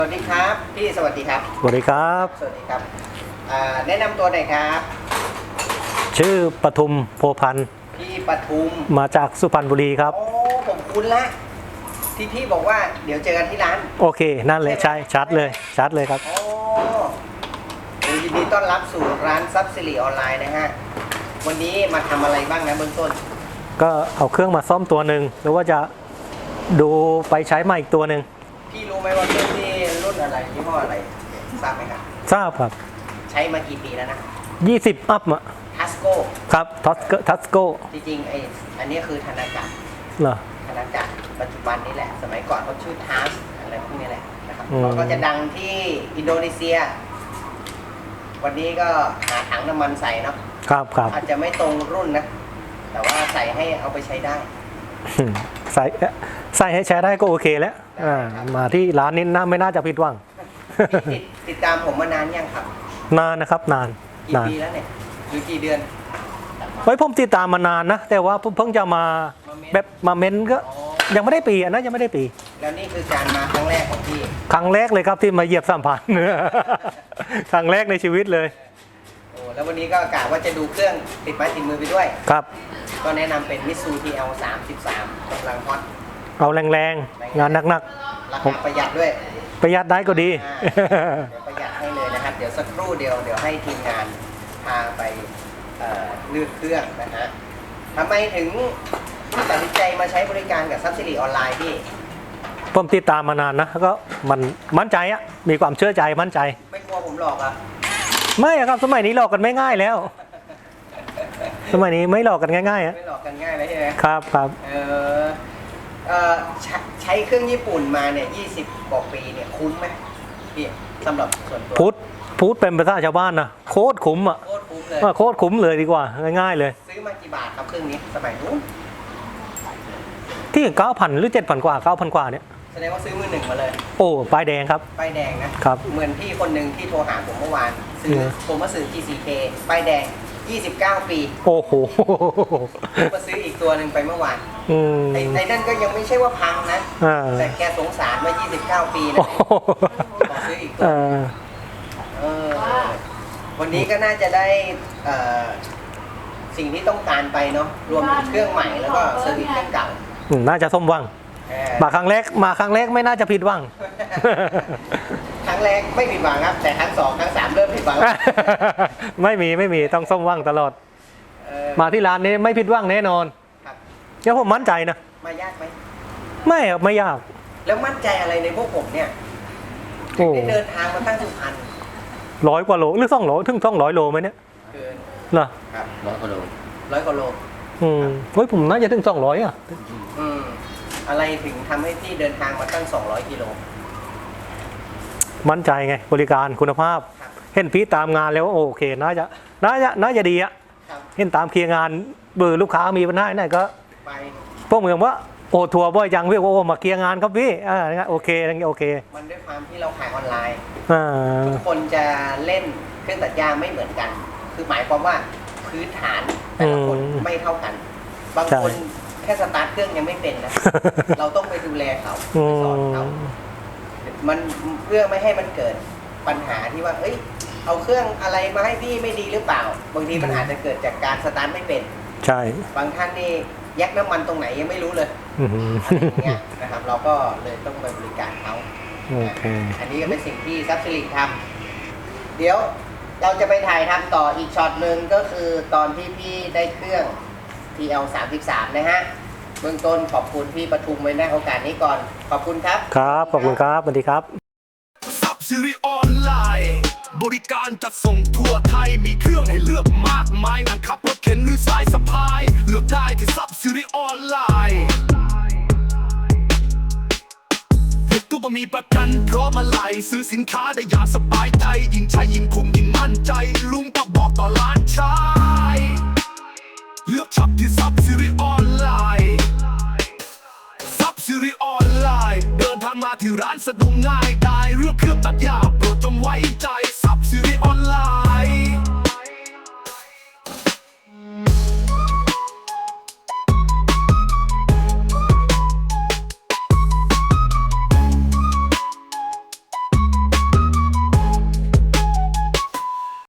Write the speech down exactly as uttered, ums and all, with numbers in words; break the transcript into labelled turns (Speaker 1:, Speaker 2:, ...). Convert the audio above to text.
Speaker 1: สวัสดีครับพี่สวัสดีครับ
Speaker 2: สวัสดีครับ
Speaker 1: สวัสดีครับแนะนำตัวหน่อยครับ
Speaker 2: ชื่อปทุมโพพันธ์
Speaker 1: พี่ปทุม
Speaker 2: มาจากสุพรรณบุรีครับ
Speaker 1: โอ้ผมคุ้นละที่พี่บอกว่าเดี๋ยวเจอกันที่ร้าน
Speaker 2: โอเคนั่นเลยใช่ชัดเลยชัดเลยครับ
Speaker 1: โอ้ยินดีต้อนรับสู่ร้านซับซิลีออนไลน์นะฮะวันนี้มาทำอะไรบ้างนะเบื้องต้น
Speaker 2: ก็เอาเครื่องมาซ่อมตัวหนึ่งหรือว่าจะดูไปใช้ใหม่อีกตัวหนึ่ง
Speaker 1: พี่รู้ไหมว่าเครื่องที่รุ่นอะไรยี่ห้ออะไรทราบไหมครับ
Speaker 2: ทราบครับ
Speaker 1: ใช้มากี่ปีแล้วนะ
Speaker 2: ยี่สิบอัพอะ
Speaker 1: ทัสโก้
Speaker 2: ครับทัสโกทัสโก้
Speaker 1: จริงๆไออันนี้คือธนาจักร
Speaker 2: เหรอ
Speaker 1: ธนาจักรปัจจุบันนี้แหละสมัยก่อนเขาชื่อทัสอะไรพวกนี้แหละนะครับเขาก็จะดังที่อินโดนีเซียวันนี้ก็หาถังน้ำมันใส่เนาะ
Speaker 2: ครับครับ
Speaker 1: อาจจะไม่ตรงรุ่นนะแต่ว่าใส่ให้เอาไปใช้ได้
Speaker 2: ใส่ใส่ให้ใช้ได้ก็โอเคแล้วมาที่ร้านนี้น่าไม่น่าจะผิดหวัง
Speaker 1: ติดติดตามผมมานานยังครับ
Speaker 2: นานนะครับนาน
Speaker 1: กี่ปีแล้วเนี่ยหรือกี่เดือน
Speaker 2: ไว้ผมติดตามมานานนะแต่ว่าเพิ่งจะมาแบบมาเม้นก็ยังไม่ได้ปีนะยังไม่ได้ปี
Speaker 1: แล้วนี่คือการมาครั้งแรกของพี่
Speaker 2: ครั้งแรกเลยครับที่มาเหยียบสัมพันธ์ครั้งแรกในชีวิตเลย
Speaker 1: โอ้แล้ววันนี้ก็กะว่าจะดูเครื่องติดไม้ติดมือไปด้วย
Speaker 2: ครับ
Speaker 1: ก็แนะนำเป็น Mitsu ที แอล สามสิบสามกำลังฮอต
Speaker 2: เอาแรงๆงานหนัก
Speaker 1: ๆราคาประหยัดด้วย
Speaker 2: ประหยัดได้ก็ดี
Speaker 1: เดี๋ยวประหยัดให้เลยนะครับเดี๋ยวสักครู่เดียวเดี๋ยวให้ทีมงานพาไปลื่นเครื่องนะฮะทำไมถึงตัดสินใจมาใช้บริการกับซับซิลีออนไลน์พี่
Speaker 2: ผมติดตามมานานนะก็มันมั่นใจอะมีความเชื่อใจมั่นใจ
Speaker 1: ไม่กลัวผมหลอกอ่ะ
Speaker 2: ไม่ครับสมัยนี้หลอกกันไม่ง่ายแล้วสมัยนี้ไม่หลอกกันง่ายๆอะ
Speaker 1: ไม่หลอกกันง่ายเลยใช่ไหม
Speaker 2: ครับครับ
Speaker 1: เออเออใช้เครื่องญี่ปุ่นมาเนี่ยยี่สิบกว่าปีเนี่ยคุ้มไหมพี่สำหรับส่วนตัว
Speaker 2: พูดพูดเป็นภาษาชาวบ้านนะโคตรคุ้มอ่ะ
Speaker 1: โคตรคุ้มเลย
Speaker 2: โคตรคุ้มเลยดีกว่าง่ายๆเลย
Speaker 1: ซื้อมากี่บาทครับเครื่องนี้สมัยนู้น
Speaker 2: ที่เก้าพันหรือเจ็ดพันกว่าเก้าพันกว่าเนี่ย
Speaker 1: แสดงว่าซื้อมือหนึ่งมาเลย
Speaker 2: โอ้ป้ายแดงครับ
Speaker 1: ป้ายแดงนะครับเหมือนพี่คนหนึ่งที่โทรหาผมเมื่อวานซื้อผมมาซื้อ จี ซี เค ป้ายแดงยี่สิบเก้าปี
Speaker 2: โอ้โห
Speaker 1: มาซื้ออีกตัวหนึ่งไปเมื่อวานไอ้ไอ้นั่นก็ยังไม่ใช่ว่าพังนะแต่แกสงสารว่ายี่สิบเก้าปีนะขอซื้ออีกตัวเออวันนี้ก็น่าจะได้สิ่งที่ต้องการไปเนาะรวมถึงเครื่องใหม่แล้วก็เซอร์วิสเครื่องเก่า
Speaker 2: น่าจะสมหวังมาครั้งแรกมาครั้งแรกไม่น่าจะผิดหวัง
Speaker 1: ครั้งแรกไม่ผิดหวังครับแต่ครั้งสองครั้งสามเริ่มผิดหวัง
Speaker 2: ไม่มีไม่มีต้องสมหวังตลอดมาที่ร้านนี้ไม่ผิดหวังแน่นอนเดี๋ยวผมมั่นใจนะ
Speaker 1: มายากไหม
Speaker 2: ไม่ครับไม่ยาก
Speaker 1: แล้วมั่นใจอะไรในพวกผมเนี่ยได้เดินทางมาตั้งสุพรรณ
Speaker 2: ร้อยกว่าโลหรือสองร้อยถึงสองร้อยโลไหมเนี่ย
Speaker 1: เกิน
Speaker 2: เหรอ
Speaker 1: ครับร้อยกว่าโลร้อยกว่าโล
Speaker 2: อืมเฮ้ยผมน่าจะถึงสองร้อยอ่ะ
Speaker 1: อืมอะไรถึงทำให้พี่เดินทางมาตั้งสองร้อยกิโล
Speaker 2: มั่นใจไงบริการคุณภาพเห็นพี่ตามงานแล้วโอเคน่าจะน่าจะน่าจะดีอ่ะเห็นตามเคลียร์งานเบอร์ลูกค้ามีปัญหาไหนก็
Speaker 1: ไป
Speaker 2: พวกเมืองว่าโอ้ทัวร์บ่อยจังพี่โอ้มาเคลียร์งานครับพี่อ่าโอเคโอเค
Speaker 1: มันด้วยความที่เราขายออนไลน์ทุกคนจะเล่นเครื่องตัดหญ้าไม่เหมือนกันคือหมายความว่าพื้นฐานแต่ละคนไม่เท่ากันบางคนแค่สตาร์ทเครื่องยังไม่เป็นนะเราต้องไปดูแลเขาไปสอนเขามันเพื่อไม่ให้มันเกิดปัญหาที่ว่าเอ้ยเอาเครื่องอะไรมาให้พี่ไม่ดีหรือเปล่าบางทีมันอาจจะเกิดจากการสตาร์ทไม่เป็น
Speaker 2: ใช่
Speaker 1: บางท่านนี่แยกน้ำมันตรงไหนยังไม่รู้เลยอะไรอย่างเงี้ยนะครับเราก็เลยต้องไปบริการเขาอันนี้ก็เป็นสิ่งที่ซับซิลิทำเดี๋ยวเราจะไปถ่ายทำต่ออีกช็อตหนึ่งก็คือตอนที่พี่ได้เครื่อง ที แอล สามสิบสาม นะฮะเบื้องต้นขอบคุณพี่ปทุมไว้ในโอกาสนี้ก่อนขอบคุณครับ
Speaker 2: ครับขอบคุณครับสวัสดีครับ
Speaker 3: ซับซิลีออนไลน์บริการจัดส่งทั่วไทยมีเครื่องให้เลือกมากมายนั่งขับรถเข็นหรือสายสะพายเลือกได้ที่ซับซิลีออนไลน์ตู้บะมีประกันพร้อมอะไรซื้อสินค้าได้อย่างสบายใจยิ่งใช้ยิ่งคุ้มยิ่งมั่นใจลุงก็บอกต่อร้านชายเลือกช็อปที่ซับซิลีออนไลน์ซับซิลีออนไลน์เดินทางมาที่ร้านสะดวกง่ายได้